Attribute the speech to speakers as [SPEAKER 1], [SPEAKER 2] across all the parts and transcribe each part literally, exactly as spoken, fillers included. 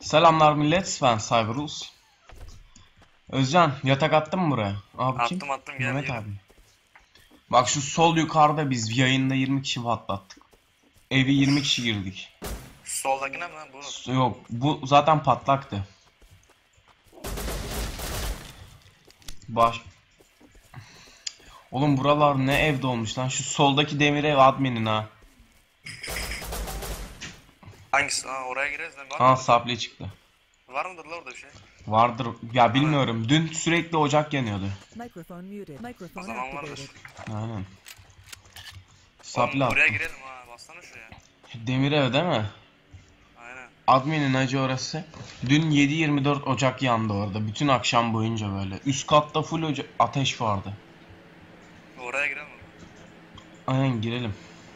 [SPEAKER 1] Selamlar millet, ben Cyberus. Özcan, yatak attın mı buraya? Abi kim?
[SPEAKER 2] Attım attım gel
[SPEAKER 1] Mehmet
[SPEAKER 2] yürü.
[SPEAKER 1] abi. Bak şu sol yukarıda biz yayında yirmi kişi patlattık. Evi yirmi kişi girdik.
[SPEAKER 2] Soldakine mi lan bunu?
[SPEAKER 1] S- Yok, bu zaten patlaktı. Baş... Oğlum buralar ne evde olmuş lan? Şu soldaki demir ev adminin ha.
[SPEAKER 2] Hangisi? Ha oraya gireriz lan. Var
[SPEAKER 1] Ha
[SPEAKER 2] mıdır?
[SPEAKER 1] saple çıktı.
[SPEAKER 2] Var mıdır la orada bir şey?
[SPEAKER 1] Vardır. Ya bilmiyorum. Dün sürekli ocak yanıyordu.
[SPEAKER 3] Microphone muted.
[SPEAKER 2] O
[SPEAKER 3] Microphone
[SPEAKER 2] zaman
[SPEAKER 3] activated.
[SPEAKER 2] vardır.
[SPEAKER 1] Aynen.
[SPEAKER 2] Oğlum
[SPEAKER 1] Saple
[SPEAKER 2] buraya
[SPEAKER 1] attım.
[SPEAKER 2] girelim ha. Bassana şuraya.
[SPEAKER 1] Demir ev değil mi?
[SPEAKER 2] Aynen.
[SPEAKER 1] Admin'in acı orası. Dün yedi yirmi dört ocak yandı orada. Bütün akşam boyunca böyle. Üst katta full oca- ateş vardı.
[SPEAKER 2] Oraya girelim mi?
[SPEAKER 1] Aynen girelim.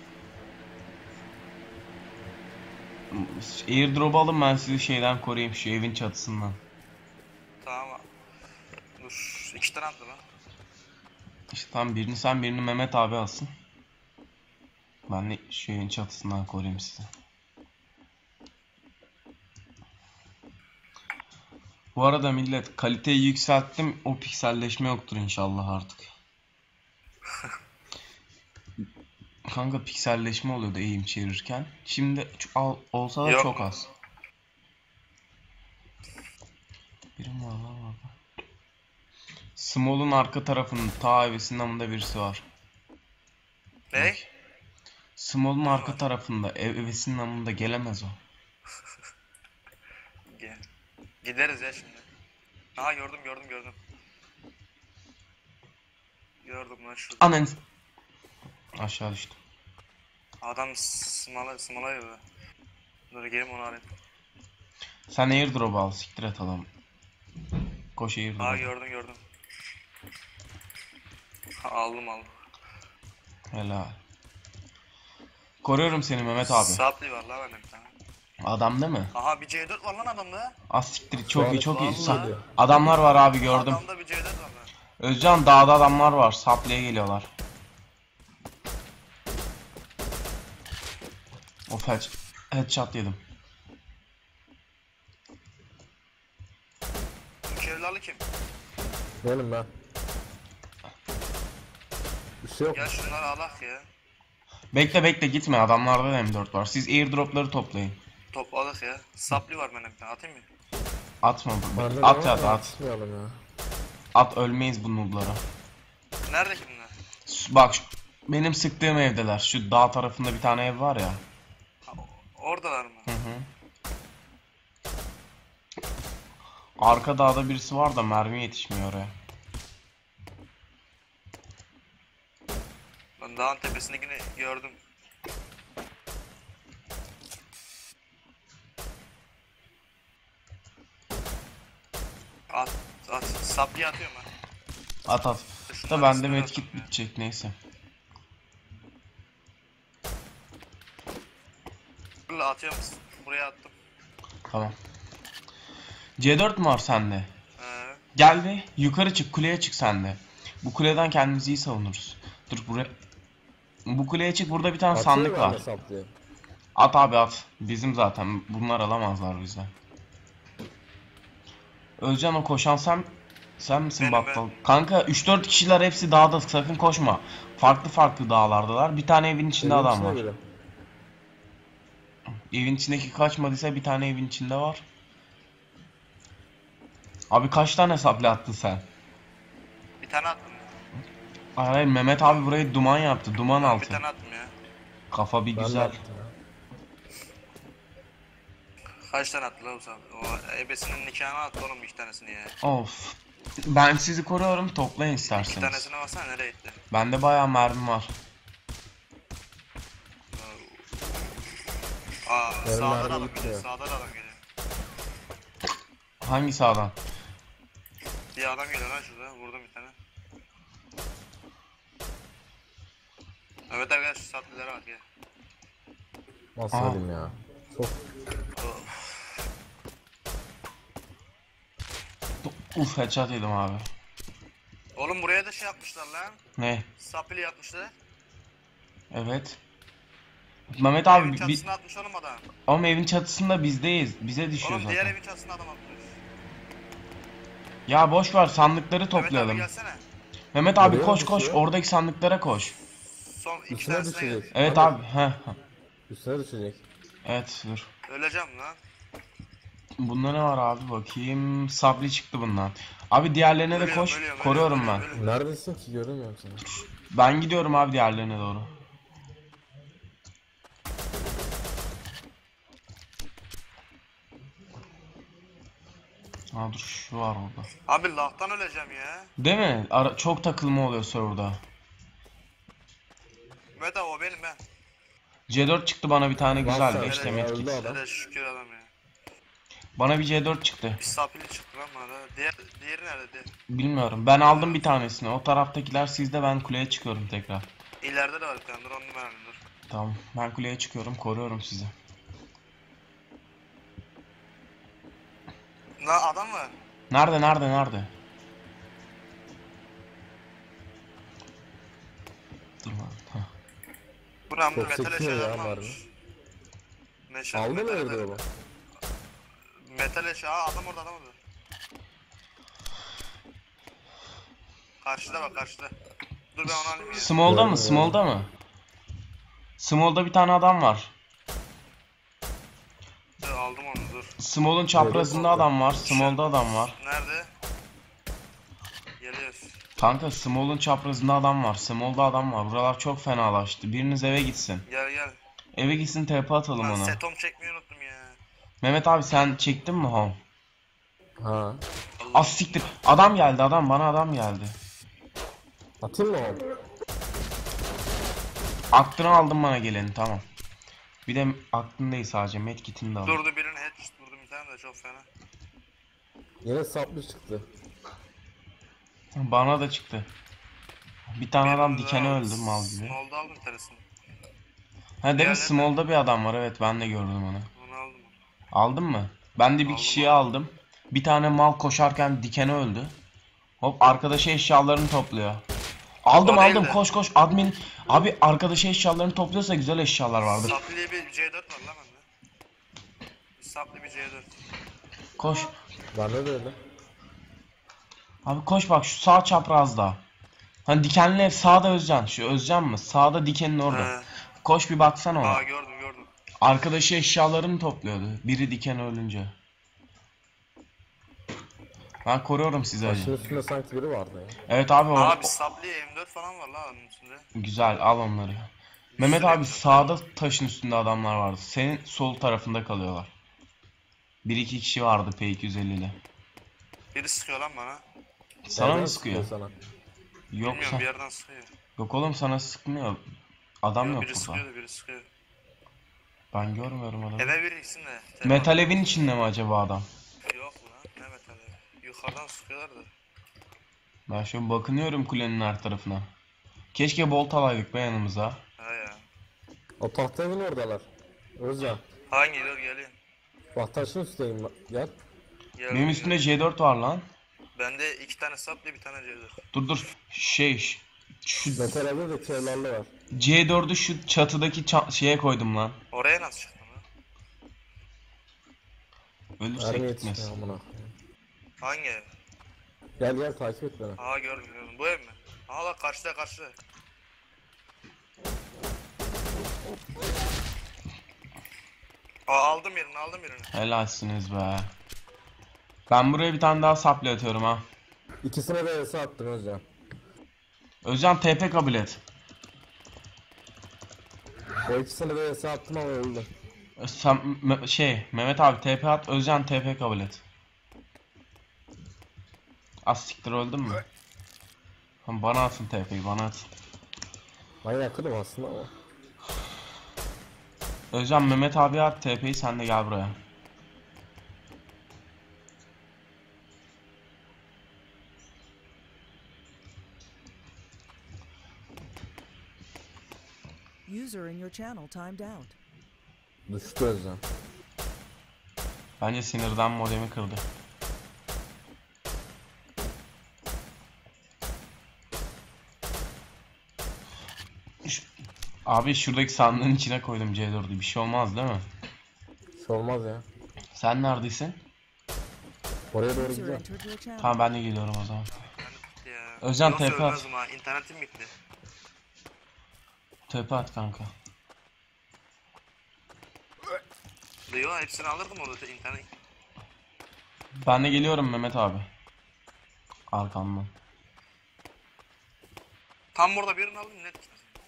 [SPEAKER 1] Airdrop alın, ben sizi şeyden koruyayım, şu evin çatısından.
[SPEAKER 2] Tamam. Dur. İki tane attı lan.
[SPEAKER 1] İşte tam birini sen, birini Mehmet abi alsın. Ben de şu evin çatısından koruyayım sizi. Bu arada millet, kaliteyi yükselttim. O pikselleşme yoktur inşallah artık. Kanka pikselleşme oluyordu eğim çevirirken. Şimdi ç- al, olsa da
[SPEAKER 2] Yok
[SPEAKER 1] çok
[SPEAKER 2] mu?
[SPEAKER 1] az. Birim var lan orada. Small'un arka tarafının ta evesinin yanında birisi var.
[SPEAKER 2] Ne?
[SPEAKER 1] Small'un
[SPEAKER 2] Ne
[SPEAKER 1] arka
[SPEAKER 2] var?
[SPEAKER 1] tarafında, ev evesinin yanında gelemez o.
[SPEAKER 2] Gel. Gideriz ya şimdi. Aha gördüm gördüm gördüm. Gördüm lan şurada.
[SPEAKER 1] Anan. Aşağı düştüm.
[SPEAKER 2] Adam smala smala gibi. Dur gelin onu alayım.
[SPEAKER 1] Sen airdrop al, siktir et adam. Koş
[SPEAKER 2] Aha
[SPEAKER 1] airdrop.
[SPEAKER 2] gördüm gördüm. Ha, aldım aldım.
[SPEAKER 1] Helal. Koruyorum seni Mehmet abi.
[SPEAKER 2] Sapli var la bende bir tane.
[SPEAKER 1] Adam değil mi?
[SPEAKER 2] Aha bir C dört var lan adamda.
[SPEAKER 1] Az siktir, çok iyi çok iyi.
[SPEAKER 2] Vallahi.
[SPEAKER 1] Sa- Adamlar var abi, gördüm.
[SPEAKER 2] Adamda bir C dört var lan.
[SPEAKER 1] Özcan, dağda adamlar var. Saplaya geliyorlar. Of, head headshot yedim.
[SPEAKER 2] Bu kevlarlı kim?
[SPEAKER 4] Benim ben. Bir şey yok.
[SPEAKER 2] Gel şunları alak ya.
[SPEAKER 1] Bekle bekle gitme, adamlarda da M dört var. Siz airdropları toplayın.
[SPEAKER 2] Topladık ya. Sapli var benim bir tane atayım mı?
[SPEAKER 1] Atma.
[SPEAKER 4] Bende de
[SPEAKER 1] At
[SPEAKER 4] var
[SPEAKER 1] at
[SPEAKER 4] da
[SPEAKER 1] at.
[SPEAKER 4] atmayalım ya.
[SPEAKER 1] At, ölmeyiz bu noob'lara.
[SPEAKER 2] Nerede kimler?
[SPEAKER 1] Bak şu- benim sıktığım evdeler. Şu dağ tarafında bir tane ev var ya.
[SPEAKER 2] Ha, oradalar mı?
[SPEAKER 1] Hı hı. Arka dağda birisi var da mermi yetişmiyor oraya.
[SPEAKER 2] Ben dağın tepesindekini gördüm. At at. Sapli atıyorum ben.
[SPEAKER 1] At at. Da bende medkit bitecek, neyse.
[SPEAKER 2] Dur atıyorum. Buraya attım.
[SPEAKER 1] Tamam. C dört mü var sende?
[SPEAKER 2] Ee,
[SPEAKER 1] Gel bir yukarı çık, kuleye çık sen de. Bu kuleden kendimizi iyi savunuruz. Dur buraya. Bu kuleye çık, burada bir tane sandık
[SPEAKER 4] Atıyor
[SPEAKER 1] var.
[SPEAKER 4] bende saplayı.
[SPEAKER 1] At abi at. Bizim zaten. Bunlar alamazlar bizden. Özcan, o koşan sen sen misin
[SPEAKER 2] Benim,
[SPEAKER 1] battal?
[SPEAKER 2] ben.
[SPEAKER 1] Kanka üç dört kişiler, hepsi dağda, sakın koşma. Farklı farklı dağlardalar. Bir tane evin içinde
[SPEAKER 4] Evin
[SPEAKER 1] adam
[SPEAKER 4] içine
[SPEAKER 1] var.
[SPEAKER 4] girelim.
[SPEAKER 1] Evin içindeki kaçmadıysa bir tane evin içinde var. Abi kaç tane saplı attın sen?
[SPEAKER 2] bir tane attım.
[SPEAKER 1] Hayır hayır, Mehmet abi burayı duman yaptı. Duman
[SPEAKER 2] Bir
[SPEAKER 1] altı.
[SPEAKER 2] tane attım ya.
[SPEAKER 1] Kafa bir
[SPEAKER 4] Ben de
[SPEAKER 1] güzel.
[SPEAKER 4] attım ya.
[SPEAKER 2] Kaç tane attı lan o sapli? O ebesinin nikahına attı oğlum iki tanesini ya.
[SPEAKER 1] Of. Ben sizi koruyorum, toplayın
[SPEAKER 2] İki
[SPEAKER 1] isterseniz.
[SPEAKER 2] tanesine baksana nereye gitti?
[SPEAKER 1] Bende bayağı mermi var.
[SPEAKER 2] Aa
[SPEAKER 4] Benim
[SPEAKER 2] sağdan
[SPEAKER 4] mermi
[SPEAKER 2] adam
[SPEAKER 4] gitti
[SPEAKER 2] geliyor.
[SPEAKER 4] ya.
[SPEAKER 2] Sağdan adam geliyor.
[SPEAKER 1] Hangi sağdan?
[SPEAKER 2] Bir adam geliyor lan şurada. Vurdum bir tane. Evet arkadaş şu saplilere bak ya.
[SPEAKER 4] Basmadım ya. Çok
[SPEAKER 1] Uf, headshot yedim abi.
[SPEAKER 2] Oğlum buraya da şey yapmışlar lan.
[SPEAKER 1] Ne?
[SPEAKER 2] Sapili yapmışlar.
[SPEAKER 1] Evet. Mehmet
[SPEAKER 2] Evin
[SPEAKER 1] abi bi-
[SPEAKER 2] çatısına atmış oğlum adam.
[SPEAKER 1] ama evin çatısında bizdeyiz. Bize düşüyor
[SPEAKER 2] Oğlum diğer
[SPEAKER 1] zaten.
[SPEAKER 2] evin çatısına adam atmış.
[SPEAKER 1] Ya boş ver, sandıkları
[SPEAKER 2] Mehmet abi
[SPEAKER 1] toplayalım.
[SPEAKER 2] gelsene.
[SPEAKER 1] Mehmet abi
[SPEAKER 4] Nereye
[SPEAKER 1] koş
[SPEAKER 4] mi
[SPEAKER 1] koş,
[SPEAKER 4] düşüyor?
[SPEAKER 1] oradaki sandıklara koş.
[SPEAKER 2] Son iki
[SPEAKER 4] Üstüne
[SPEAKER 2] tanesine gel.
[SPEAKER 4] düşecek.
[SPEAKER 1] Evet
[SPEAKER 4] Hadi.
[SPEAKER 1] abi. Heh.
[SPEAKER 4] Üstüne düşecek.
[SPEAKER 1] Evet dur.
[SPEAKER 2] Öleceğim lan.
[SPEAKER 1] Bunda ne var abi bakayım. Sabri çıktı bundan. Abi diğerlerine de
[SPEAKER 2] Ölüyorum,
[SPEAKER 1] koş.
[SPEAKER 2] ölüyorum,
[SPEAKER 1] Koruyorum
[SPEAKER 2] ölüyorum,
[SPEAKER 1] ben.
[SPEAKER 2] ölüyorum.
[SPEAKER 4] Neredesin ki göremiyorum seni.
[SPEAKER 1] Ben gidiyorum abi diğerlerine doğru. Aa dur, şu var orada.
[SPEAKER 2] Abi lahtan öleceğim ya.
[SPEAKER 1] Değil mi? Ara çok takılma oluyor serverda.
[SPEAKER 2] Mehmet abi o benim ben.
[SPEAKER 1] C dört çıktı bana bir tane, güzel.
[SPEAKER 4] Varsa-
[SPEAKER 1] beş de
[SPEAKER 4] Ya,
[SPEAKER 1] medkit.
[SPEAKER 4] öldü adam.
[SPEAKER 2] Hele şükür adam ya.
[SPEAKER 1] Bana bir C dört çıktı.
[SPEAKER 2] Bir sapili çıktı lan bana da. Diğer, diğeri nerede? Diğer.
[SPEAKER 1] Bilmiyorum. Ben aldım bir tanesini. O taraftakiler sizde, ben kuleye çıkıyorum tekrar.
[SPEAKER 2] İleride de var bir tane. Dur onu ben alayım dur.
[SPEAKER 1] Tamam. Ben kuleye çıkıyorum. Koruyorum sizi.
[SPEAKER 2] Lan adam var.
[SPEAKER 1] Nerede nerede nerede? Dur lan. Hah.
[SPEAKER 2] Buram
[SPEAKER 4] Çok
[SPEAKER 2] metal
[SPEAKER 4] sekiyor ya,
[SPEAKER 2] eşyalarını
[SPEAKER 4] var
[SPEAKER 2] almış.
[SPEAKER 4] mı?
[SPEAKER 2] Meşal,
[SPEAKER 4] Aldı mı
[SPEAKER 2] metal
[SPEAKER 4] evde
[SPEAKER 2] eşyaları.
[SPEAKER 4] o?
[SPEAKER 2] Metal eşya. Aa adam orada adam orada. Karşıda bak karşıda. Dur ben onu alayım ya.
[SPEAKER 1] Small'da
[SPEAKER 4] Gördüm,
[SPEAKER 1] mı?
[SPEAKER 4] gördüm.
[SPEAKER 1] Small'da mı? Small'da bir tane adam var.
[SPEAKER 2] Dur, aldım onu dur.
[SPEAKER 1] Small'un çaprazında adam var. Small'da adam var.
[SPEAKER 2] Nerede? Geliyoruz.
[SPEAKER 1] Kanka Small'un çaprazında adam var. Small'da adam var. Buralar çok fenalaştı. Biriniz eve gitsin.
[SPEAKER 2] Gel gel.
[SPEAKER 1] Eve gitsin, T P atalım
[SPEAKER 2] Lan
[SPEAKER 1] ona.
[SPEAKER 2] setom çekmeyi unuttum ya.
[SPEAKER 1] Mehmet abi sen çektin mi home?
[SPEAKER 4] Ha.
[SPEAKER 2] Allah.
[SPEAKER 1] Az siktir. Adam geldi, adam bana adam geldi.
[SPEAKER 4] Atayım mı onu?
[SPEAKER 1] Aklını aldım bana geleni, tamam. Bir de aklın değil sadece, medkitini de al.
[SPEAKER 2] Durdu birini head vurdum bir tane de çok fena.
[SPEAKER 4] Yine saplı çıktı.
[SPEAKER 1] Bana da çıktı. Bir tane adam
[SPEAKER 2] Birini
[SPEAKER 1] dikene
[SPEAKER 2] daha
[SPEAKER 1] öldü mal gibi.
[SPEAKER 2] Small'da aldım bir tanesini.
[SPEAKER 1] Ha değil mi?
[SPEAKER 2] Diğerleri-
[SPEAKER 1] Small'da bir adam var, evet ben de gördüm onu.
[SPEAKER 2] Onu aldım.
[SPEAKER 1] Aldın mı? Ben de bir
[SPEAKER 2] Aldım,
[SPEAKER 1] kişiyi
[SPEAKER 2] aldım.
[SPEAKER 1] aldım. Bir tane mal koşarken dikene öldü. Hop, arkadaşı eşyalarını topluyor. Aldım
[SPEAKER 2] O değil
[SPEAKER 1] aldım,
[SPEAKER 2] de.
[SPEAKER 1] koş koş admin. Abi arkadaşı eşyalarını topluyorsa güzel eşyalar vardır.
[SPEAKER 2] Saplı bir C dört var lan bende. Saplı bir C dört.
[SPEAKER 1] Koş.
[SPEAKER 4] Bende de öyle.
[SPEAKER 1] Abi koş bak, şu sağ çaprazda. Hani dikenli ev sağda, Özcan. Şu Özcan mı? Sağda dikenin orada.
[SPEAKER 2] He.
[SPEAKER 1] Koş bir baksana ona.
[SPEAKER 2] Aa gördüm gördüm.
[SPEAKER 1] Arkadaşı eşyalarını topluyordu. Biri diken ölünce. Ben koruyorum sizi
[SPEAKER 4] Taşın
[SPEAKER 1] hacı.
[SPEAKER 4] üstünde sanki biri vardı ya.
[SPEAKER 1] Evet abi, o,
[SPEAKER 2] Abi saplı M dört falan var lan onun üstünde.
[SPEAKER 1] güzel, al onları. Mehmet abi sağda taşın üstünde adamlar vardı. Senin sol tarafında kalıyorlar. Bir iki kişi vardı P iki yüz elli ile.
[SPEAKER 2] Biri sıkıyor lan bana.
[SPEAKER 1] Sana
[SPEAKER 4] Nereden
[SPEAKER 1] mı sıkıyor?
[SPEAKER 4] Sana.
[SPEAKER 1] Yok,
[SPEAKER 2] Bilmiyorum
[SPEAKER 1] sa-
[SPEAKER 2] bir yerden sıkıyor.
[SPEAKER 1] yok oğlum, sana sıkmıyor. Adam
[SPEAKER 2] Yok,
[SPEAKER 1] yok
[SPEAKER 2] biri
[SPEAKER 1] burada.
[SPEAKER 2] sıkıyordu biri sıkıyor.
[SPEAKER 1] Ben görmüyorum adamı.
[SPEAKER 2] Eve biri gitsin de.
[SPEAKER 1] Metal evin içinde mi acaba adam?
[SPEAKER 2] Yok lan ne metal evi. Yukarıdan sıkıyorlar da.
[SPEAKER 1] Ben şu an bakınıyorum kulenin her tarafına. Keşke bolt alaydık be yanımıza.
[SPEAKER 2] Ha ya.
[SPEAKER 4] O tahta evin oradalar. Özcan.
[SPEAKER 2] Hangi dur geleyim.
[SPEAKER 4] Bak taşın üstteyim bak. Gel.
[SPEAKER 2] Gel,
[SPEAKER 1] Benim üstümde C dört var lan.
[SPEAKER 2] Bende iki tane saplı bir tane C dört.
[SPEAKER 1] Dur dur. Şey ş- şu
[SPEAKER 4] Metal evde de kevlarlı var.
[SPEAKER 1] C dördü şu çatıdaki ça- şeye koydum lan.
[SPEAKER 2] Oraya nasıl çıktın lan?
[SPEAKER 1] Ölürsek
[SPEAKER 4] Mermi
[SPEAKER 1] gitmez.
[SPEAKER 4] yetişmiyor amına.
[SPEAKER 2] Hangi ev?
[SPEAKER 4] Gel gel takip et beni.
[SPEAKER 2] Aha gördüm gördüm. Bu ev mi? Aha bak karşıda karşıda. Aa aldım birini aldım birini.
[SPEAKER 1] Helalsiniz be. Ben buraya bir tane daha saplı atıyorum ha.
[SPEAKER 4] İkisine de yasa attım Özcan.
[SPEAKER 1] Özcan T P kabul et.
[SPEAKER 4] O ikisine de yasa attım ama öldü.
[SPEAKER 1] Sen, Me- şey Mehmet abi T P at, Özcan T P kabul et. Az siktir, öldün mü? Tamam, bana atın T P'yi, bana at.
[SPEAKER 4] Ben yakınım aslında ama.
[SPEAKER 1] Özcan Mehmet abi at T P'yi, sen de gel buraya.
[SPEAKER 3] User in your channel timed out.
[SPEAKER 4] Düştü Özcan.
[SPEAKER 1] Bence sinirden modemi kırdı. Üş- Abi şuradaki sandığın içine koydum C dördü. Bir şey olmaz değil mi?
[SPEAKER 4] Bir şey olmaz ya.
[SPEAKER 1] Sen neredesin?
[SPEAKER 4] Oraya doğru
[SPEAKER 3] User
[SPEAKER 4] gidiyorum.
[SPEAKER 3] entered your channel.
[SPEAKER 1] Tamam ben de geliyorum o zaman.
[SPEAKER 2] Ya.
[SPEAKER 1] Özcan,
[SPEAKER 2] Yoksa
[SPEAKER 1] tepe at.
[SPEAKER 2] ölmezdim ha. İnternetim gitti.
[SPEAKER 1] Tepe at kanka.
[SPEAKER 2] Yo hepsini alırdım orada internet.
[SPEAKER 1] Ben de geliyorum Mehmet abi. Arkamdan.
[SPEAKER 2] Tam burada birini aldım net.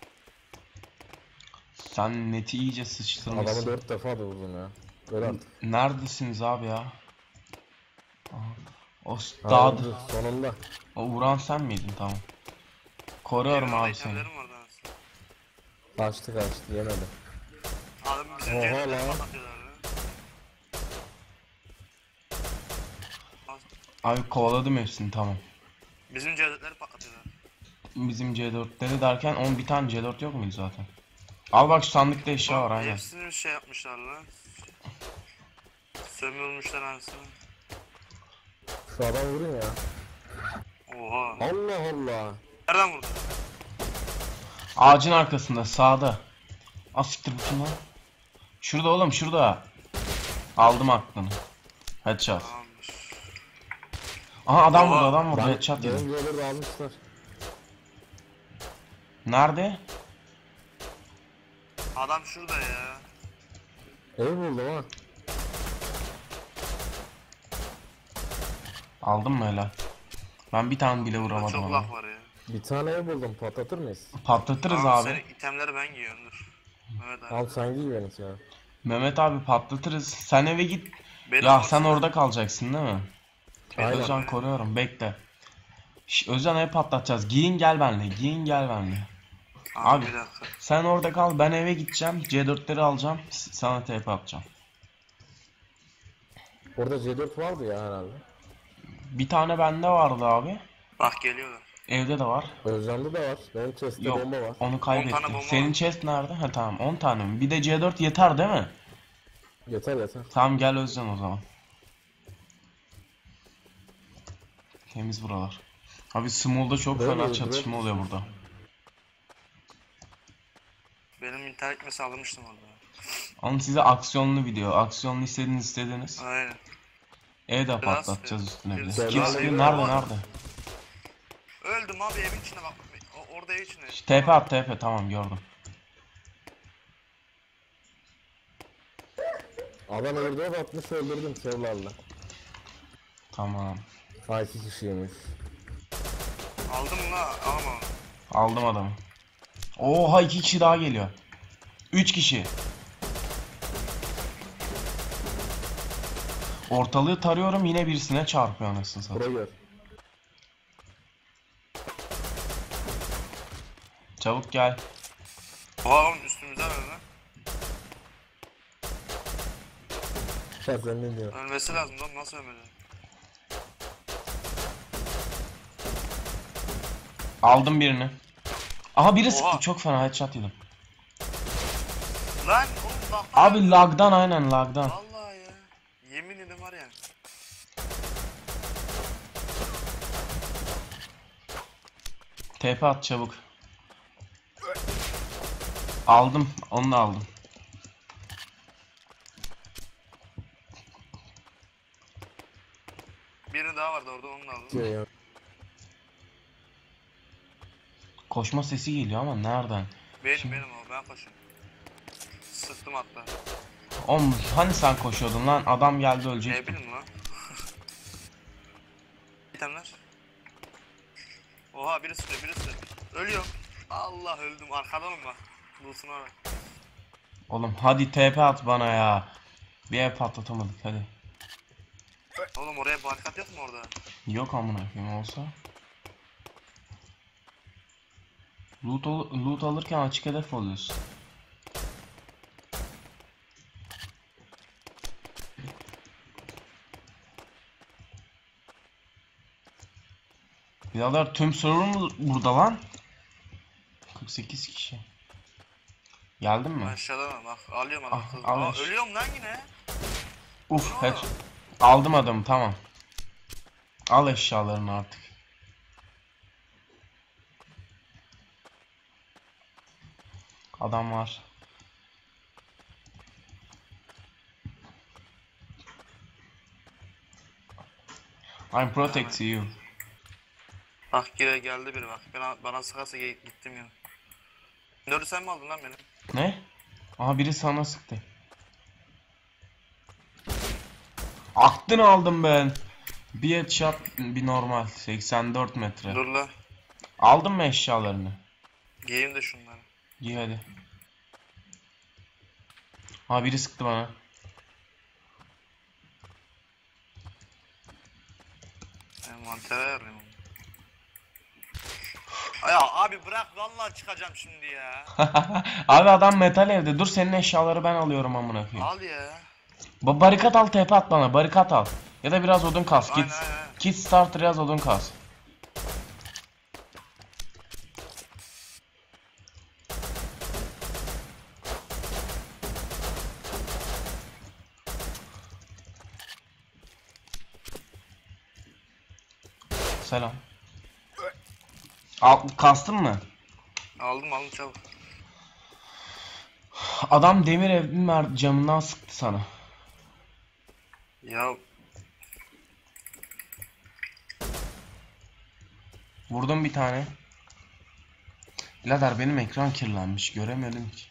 [SPEAKER 1] Sen neti iyice
[SPEAKER 4] Adamı
[SPEAKER 1] sıçtırmışsın.
[SPEAKER 4] dört defa da vurdum ya. Öyle artık.
[SPEAKER 1] Neredesiniz abi ya? Aha. O
[SPEAKER 4] Ha,
[SPEAKER 1] dağda.
[SPEAKER 4] öldü. Sonunda.
[SPEAKER 1] O vuran sen miydin? Tamam. Koruyorum abi seni.
[SPEAKER 2] itemlerim vardı aslında.
[SPEAKER 4] Kaçtı kaçtı yemedi.
[SPEAKER 2] Adam bizim
[SPEAKER 4] Oha
[SPEAKER 2] cebimleri
[SPEAKER 4] lan.
[SPEAKER 2] patlatıyorlar lan.
[SPEAKER 1] Abi kovaladım hepsini, tamam.
[SPEAKER 2] Bizim cevdetleri patlatıyorlar.
[SPEAKER 1] Bizim C dörtleri derken on bir tane C dört yok muydu zaten? Al bak şu sandıkta eşya var aynen.
[SPEAKER 2] Hepsini bir şey yapmışlar lan. Sömürmüşler anasını.
[SPEAKER 4] Şu adam vurun ya.
[SPEAKER 2] Oha.
[SPEAKER 4] Allah Allah.
[SPEAKER 2] Nereden vurdun?
[SPEAKER 1] Ağacın arkasında sağda. Az siktir bu kim lan? Şurada oğlum, şurada. Aldım aklını. Headshot.
[SPEAKER 2] Tamamdır.
[SPEAKER 1] Aha adam
[SPEAKER 2] Oha.
[SPEAKER 1] vurdu, adam vurdu.
[SPEAKER 4] Ben
[SPEAKER 1] Headshot yedim.
[SPEAKER 4] benim yolları da almışlar.
[SPEAKER 1] Nerede?
[SPEAKER 2] Adam şurada ya.
[SPEAKER 4] Ev buldum ha.
[SPEAKER 1] Aldın mı helal? Ben bir tane bile
[SPEAKER 2] Burada
[SPEAKER 1] vuramadım
[SPEAKER 2] çok
[SPEAKER 1] ama.
[SPEAKER 2] laf var ya.
[SPEAKER 4] Bir tane ev buldum, patlatır mıyız?
[SPEAKER 1] Patlatırız
[SPEAKER 2] Tamam,
[SPEAKER 1] abi.
[SPEAKER 2] senin itemleri ben giyiyorum dur. Evet abi.
[SPEAKER 4] Al sen giy benimki ya.
[SPEAKER 1] Mehmet abi patlatırız. Sen eve git.
[SPEAKER 2] Benim
[SPEAKER 1] Ya
[SPEAKER 2] olsun.
[SPEAKER 1] sen orada kalacaksın değil mi?
[SPEAKER 4] Aynen.
[SPEAKER 1] Özcan koruyorum, bekle. Şş, Özcan ev patlatacağız. Giyin gel benimle. Giyin gel benimle.
[SPEAKER 2] Abi,
[SPEAKER 1] Abi.
[SPEAKER 2] bir dakika.
[SPEAKER 1] Sen orada kal, ben eve gideceğim. C dörtleri alacağım. s- Sana T P atacağım.
[SPEAKER 4] Orada C dört vardı ya herhalde.
[SPEAKER 1] Bir tane bende vardı abi.
[SPEAKER 2] Bak geliyorlar.
[SPEAKER 1] Evde de var.
[SPEAKER 4] Özcan'da da var. Benim chest'te
[SPEAKER 1] Yok,
[SPEAKER 4] bomba var.
[SPEAKER 1] onu kaybettim.
[SPEAKER 2] bomba
[SPEAKER 1] Senin
[SPEAKER 2] var.
[SPEAKER 1] chest nerede? Ha tamam, on tane mi? Bir de C dört yeter değil mi?
[SPEAKER 4] Yeter yeter.
[SPEAKER 1] Tamam gel Özcan o zaman. Temiz buralar. Abi Small'da çok
[SPEAKER 4] Böyle
[SPEAKER 1] fena
[SPEAKER 4] öldürelim.
[SPEAKER 1] çatışma oluyor burada.
[SPEAKER 2] Benim internet gitmesi almıştım orada.
[SPEAKER 1] Ama size aksiyonlu video. Aksiyonlu istediğiniz istediniz.
[SPEAKER 2] Aynen.
[SPEAKER 1] E de
[SPEAKER 2] Biraz-
[SPEAKER 1] patlatacağız üstüne bir de.
[SPEAKER 2] biraz-
[SPEAKER 1] Kimse
[SPEAKER 4] biraz-
[SPEAKER 1] nerede nerede?
[SPEAKER 2] Öldüm abi evin içine bak. O, orada ev içine.
[SPEAKER 1] Şş, T P at T P, tamam gördüm.
[SPEAKER 4] Adam öldü atmış öldürdüm kevlarla.
[SPEAKER 1] Tamam.
[SPEAKER 4] Ha iki kişiymiş.
[SPEAKER 2] Aldım la ama.
[SPEAKER 1] Aldım adamı. Oha, iki kişi daha geliyor. Üç kişi. Ortalığı tarıyorum, yine birisine çarpıyor anasını satayım.
[SPEAKER 4] Buraya gör.
[SPEAKER 1] Çabuk gel.
[SPEAKER 2] Oha oğlum üstümüze ver lan.
[SPEAKER 4] Ya sen ne diyorsun?
[SPEAKER 2] Ölmesi lazım lan nasıl ölmedi?
[SPEAKER 1] Aldım birini. Aha biri sıktı,
[SPEAKER 2] Oha.
[SPEAKER 1] çok fena headshot yedim.
[SPEAKER 2] Lan oğlum bak.
[SPEAKER 1] Abi lagdan, aynen lagdan.
[SPEAKER 2] Vallahi ya. Yemin ederim var ya.
[SPEAKER 1] T P at çabuk. Aldım, onu da aldım.
[SPEAKER 2] Biri daha vardı orada onu da aldım.
[SPEAKER 4] Diyor ya.
[SPEAKER 1] Koşma sesi geliyor ama nereden?
[SPEAKER 2] Benim benim o ben koşuyorum. Sıktım hatta.
[SPEAKER 1] Oğlum hani sen koşuyordun lan, adam geldi
[SPEAKER 2] Ne
[SPEAKER 1] ölecek.
[SPEAKER 2] bileyim lan. İtemler. Oha biri sıkıyor biri sıkıyor. Ölüyorum. Allah öldüm arkadan bak. Bulsuna bak.
[SPEAKER 1] Oğlum hadi T P at bana ya. Bir ev patlatamadık hadi.
[SPEAKER 2] Oğlum oraya barikat yok mu orada?
[SPEAKER 1] Yok amına koyayım, olsa. Loot, al- loot alırken açık hedef oluyorsun. Birader tüm server mı burada lan? kırk sekiz kişi. Geldin mi?
[SPEAKER 2] Aşağıda mı? Bak alıyorum adam.
[SPEAKER 1] Ah,
[SPEAKER 2] kız.
[SPEAKER 1] al
[SPEAKER 2] Aa,
[SPEAKER 1] eş.
[SPEAKER 2] ölüyorum lan yine.
[SPEAKER 1] Uf,
[SPEAKER 2] Ne
[SPEAKER 1] head.
[SPEAKER 2] oldu?
[SPEAKER 1] Aldım adamı, tamam. Al eşyalarını artık. Adam var. I'm protect you.
[SPEAKER 2] Bak gire geldi biri bak. Bana, bana sıkarsa ge- gittim ya. Dördü sen mi aldın lan beni?
[SPEAKER 1] Ne? Aha biri sana sıktı. Aklını aldım ben. Bir headshot, bir normal. seksen dört metre.
[SPEAKER 2] Dur la.
[SPEAKER 1] Aldın mı eşyalarını?
[SPEAKER 2] Giyeyim de şunları.
[SPEAKER 1] Giy hadi. Ha biri sıktı bana.
[SPEAKER 2] Envantere ayarlayayım onu. Ya abi bırak vallahi çıkacağım şimdi ya.
[SPEAKER 1] Abi adam metal evde. Dur senin eşyaları ben alıyorum amına koyayım.
[SPEAKER 2] Al ya.
[SPEAKER 1] Ba barikat al, tepe at bana. Barikat al. Ya da biraz odun kas.
[SPEAKER 2] Aynen,
[SPEAKER 1] Kit,
[SPEAKER 2] aynen.
[SPEAKER 1] kit starter yaz, odun kas. Selam. Al, kastın mı?
[SPEAKER 2] Aldım aldım çabuk.
[SPEAKER 1] Adam demir evin mer- camından sıktı sana.
[SPEAKER 2] Ya
[SPEAKER 1] Vurdum bir tane. Birader benim ekran kirlenmiş. Göremiyordum ki.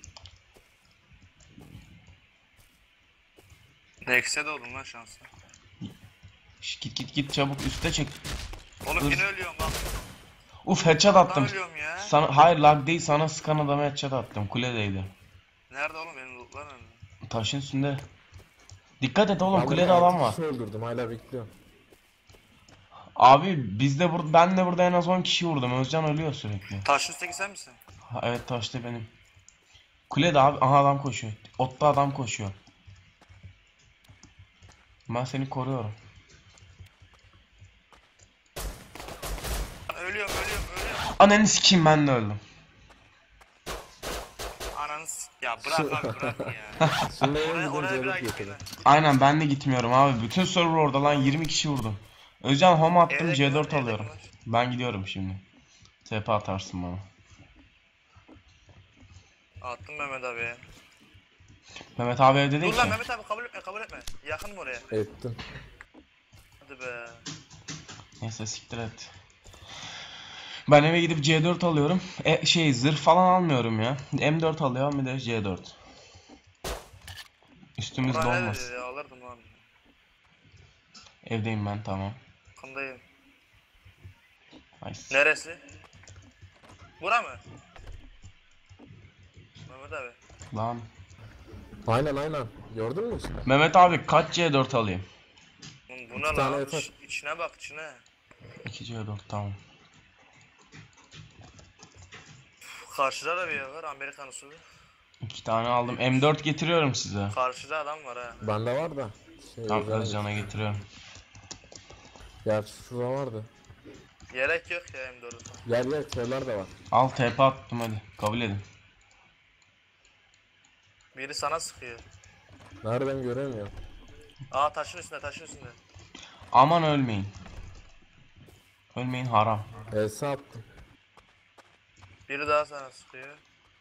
[SPEAKER 2] Nex'e de oldum lan şanslı.
[SPEAKER 1] Şş, git git git çabuk üste çek.
[SPEAKER 2] Oğlum
[SPEAKER 1] Dur.
[SPEAKER 2] yine ölüyorum bak.
[SPEAKER 1] Uf headshot
[SPEAKER 2] Ben
[SPEAKER 1] attım.
[SPEAKER 2] ölüyorum ya.
[SPEAKER 1] Sana, hayır lag değil, sana sıkan adama headshot attım. Kuledeydi.
[SPEAKER 2] Nerede oğlum benim lootlar nerede?
[SPEAKER 1] Taşın üstünde. Dikkat et oğlum,
[SPEAKER 4] Ben
[SPEAKER 1] kulede
[SPEAKER 4] burada
[SPEAKER 1] adam
[SPEAKER 4] altı
[SPEAKER 1] var.
[SPEAKER 4] kişi öldürdüm hala bekliyorum.
[SPEAKER 1] Abi biz de burada, ben de burada en az on kişi vurdum. Özcan ölüyor sürekli.
[SPEAKER 2] Taşın üstteki sen misin?
[SPEAKER 1] Ha, evet taşta benim. Kulede abi, aha adam koşuyor. Otta adam koşuyor. Ben seni koruyorum.
[SPEAKER 2] Ben ölüyorum ölüyorum ölüyorum.
[SPEAKER 1] Ananı sikeyim, ben de öldüm.
[SPEAKER 2] Ananı s- ya bırak abi bırak ya.
[SPEAKER 4] Şimdi eve
[SPEAKER 2] Oraya,
[SPEAKER 4] gidince
[SPEAKER 2] oraya bırak
[SPEAKER 4] alıp
[SPEAKER 2] gitme.
[SPEAKER 4] getirin.
[SPEAKER 1] Aynen ben de gitmiyorum abi. Bütün server orada lan, yirmi kişi vurdum. Özcan home attım,
[SPEAKER 2] Evde
[SPEAKER 1] C dört
[SPEAKER 2] kimler, evde
[SPEAKER 1] alıyorum.
[SPEAKER 2] kimler?
[SPEAKER 1] Ben gidiyorum şimdi. T P atarsın bana.
[SPEAKER 2] Attım Mehmet abi ya.
[SPEAKER 1] Mehmet abi evde değil
[SPEAKER 2] Dur lan
[SPEAKER 1] ki.
[SPEAKER 2] Mehmet abi kabul etme kabul etme. Yakın mı oraya?
[SPEAKER 4] Ettim.
[SPEAKER 2] Hadi be.
[SPEAKER 1] Neyse siktir et. Ben eve gidip C dört alıyorum. E, şey zırh falan almıyorum ya. M dört alıyorum, bir de C dört. Üstümüzde
[SPEAKER 2] Buraya ne
[SPEAKER 1] olmaz.
[SPEAKER 2] dedi ya alırdım abi.
[SPEAKER 1] Evdeyim ben, tamam.
[SPEAKER 2] Yakındayım.
[SPEAKER 1] Nice.
[SPEAKER 2] Neresi? Bura mı? Mehmet abi.
[SPEAKER 1] Lan.
[SPEAKER 4] Aynen aynen. Gördün mü işte?
[SPEAKER 1] Mehmet abi kaç C dört alayım?
[SPEAKER 2] Oğlum bu ne
[SPEAKER 4] tane
[SPEAKER 2] lan?
[SPEAKER 4] yeter.
[SPEAKER 2] İç- İçine bak içine.
[SPEAKER 1] iki C dört tamam.
[SPEAKER 2] Karşıda da bir yer var Amerikan usulü.
[SPEAKER 1] İki tane aldım. M dört getiriyorum size.
[SPEAKER 2] Karşıda adam var ha.
[SPEAKER 4] Bende var da. Şey,
[SPEAKER 1] Tamam,
[SPEAKER 4] Özcan'a
[SPEAKER 1] Özcan'a getiriyorum.
[SPEAKER 4] Gerçi şurada vardı.
[SPEAKER 2] Gerek yok ya M dört'e.
[SPEAKER 4] Gel gel şeyler de var.
[SPEAKER 1] Al T P attım, hadi. Kabul edin.
[SPEAKER 2] Biri sana sıkıyor.
[SPEAKER 4] Nereden göremiyorum.
[SPEAKER 2] Aa taşın üstünde taşın üstünde.
[SPEAKER 1] Aman ölmeyin. Ölmeyin, haram.
[SPEAKER 4] Elsa attım.
[SPEAKER 2] Biri daha sana sıkıyor.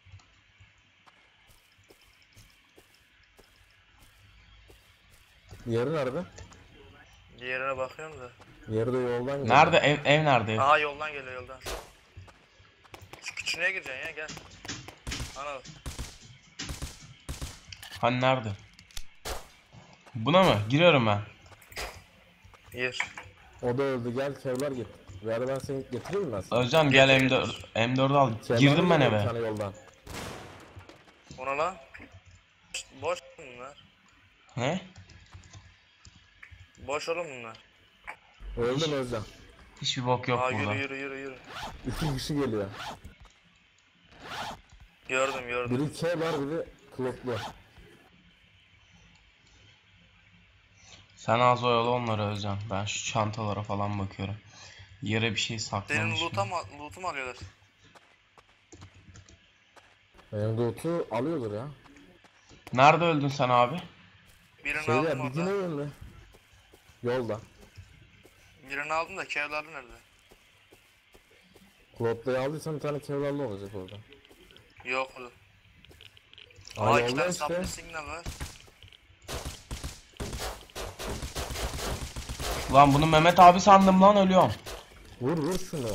[SPEAKER 4] Diğeri nerede?
[SPEAKER 2] Diğerine bakıyorum da.
[SPEAKER 4] Diğeri de yoldan geliyor.
[SPEAKER 1] Nerede ev, ev nerede ev?
[SPEAKER 2] Aha yoldan geliyor yoldan. Şu küçüğüne gireceksin ya gel. Ana
[SPEAKER 1] Hani nerede? Buna mı? Giriyorum ben.
[SPEAKER 2] gir.
[SPEAKER 4] O da öldü, gel kevlar git. Ver ben seni getireyim mi ben sana?
[SPEAKER 1] Özcan gel
[SPEAKER 2] Getir,
[SPEAKER 1] M dört. M dördü al.
[SPEAKER 4] Kevlar
[SPEAKER 1] Girdim ben
[SPEAKER 4] geliyor bir
[SPEAKER 1] eve.
[SPEAKER 4] tane yoldan.
[SPEAKER 2] Ona lan. Boş bunlar.
[SPEAKER 1] Ne?
[SPEAKER 2] Boş oğlum bunlar.
[SPEAKER 4] Öldüm Özcan.
[SPEAKER 1] Hiçbir bok yok
[SPEAKER 2] Aa
[SPEAKER 1] burada.
[SPEAKER 2] yürü yürü yürü yürü.
[SPEAKER 4] İki kişi geliyor.
[SPEAKER 2] Gördüm gördüm.
[SPEAKER 4] Biri kevlar, biri kloplu.
[SPEAKER 1] Sen az oyalı onları Özcan. Ben şu çantalara falan bakıyorum. Yere bir şey
[SPEAKER 2] Senin
[SPEAKER 1] saklamış.
[SPEAKER 2] loot'a mı, loot'u mu alıyorlar?
[SPEAKER 4] Benim Doğut'u alıyordur ya.
[SPEAKER 1] Nerede öldün sen abi?
[SPEAKER 2] Birini
[SPEAKER 4] Şeyde
[SPEAKER 2] aldım
[SPEAKER 4] ya,
[SPEAKER 2] orada.
[SPEAKER 4] bilgin önünde. Yolda.
[SPEAKER 2] Birini aldım da kevları nerede?
[SPEAKER 4] Kloplu'yu aldıysan bir tane kevlarlı olacak orada.
[SPEAKER 2] Yok. Aa
[SPEAKER 4] Ay
[SPEAKER 2] iki
[SPEAKER 4] oldu
[SPEAKER 2] tane
[SPEAKER 4] işte.
[SPEAKER 2] saplı signal var.
[SPEAKER 1] Lan bunu Mehmet abi sandım lan, ölüyorum.
[SPEAKER 4] Vur vur şunu.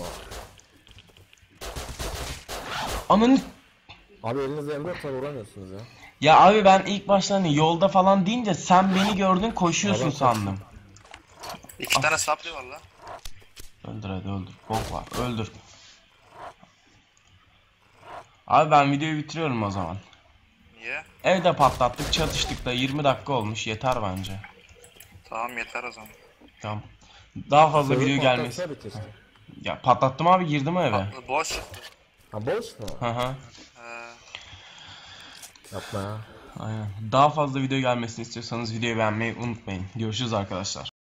[SPEAKER 1] Ananı...
[SPEAKER 4] Abi elinizde M dört var, vuramıyorsunuz ya.
[SPEAKER 1] Ya abi ben ilk başta hani yolda falan deyince sen beni gördün koşuyorsun
[SPEAKER 4] Adam
[SPEAKER 1] sandım.
[SPEAKER 2] İki tane saplı var lan.
[SPEAKER 1] Öldür hadi öldür. Bok var öldür. Abi ben videoyu bitiriyorum o zaman.
[SPEAKER 2] Niye?
[SPEAKER 1] Evde patlattık, çatıştık da yirmi dakika olmuş, yeter bence.
[SPEAKER 2] Tamam yeter o zaman.
[SPEAKER 1] Tamam. Daha fazla
[SPEAKER 4] Server
[SPEAKER 1] video gelmesi.
[SPEAKER 4] patlatsaydı keşke.
[SPEAKER 1] Ya patlattım abi, girdim eve.
[SPEAKER 2] Patlı boş çıktı.
[SPEAKER 4] Ha boş mu?
[SPEAKER 1] Hı hı.
[SPEAKER 2] He.
[SPEAKER 4] Yapma ya.
[SPEAKER 1] Aynen. Daha fazla video gelmesini istiyorsanız videoyu beğenmeyi unutmayın. Görüşürüz arkadaşlar.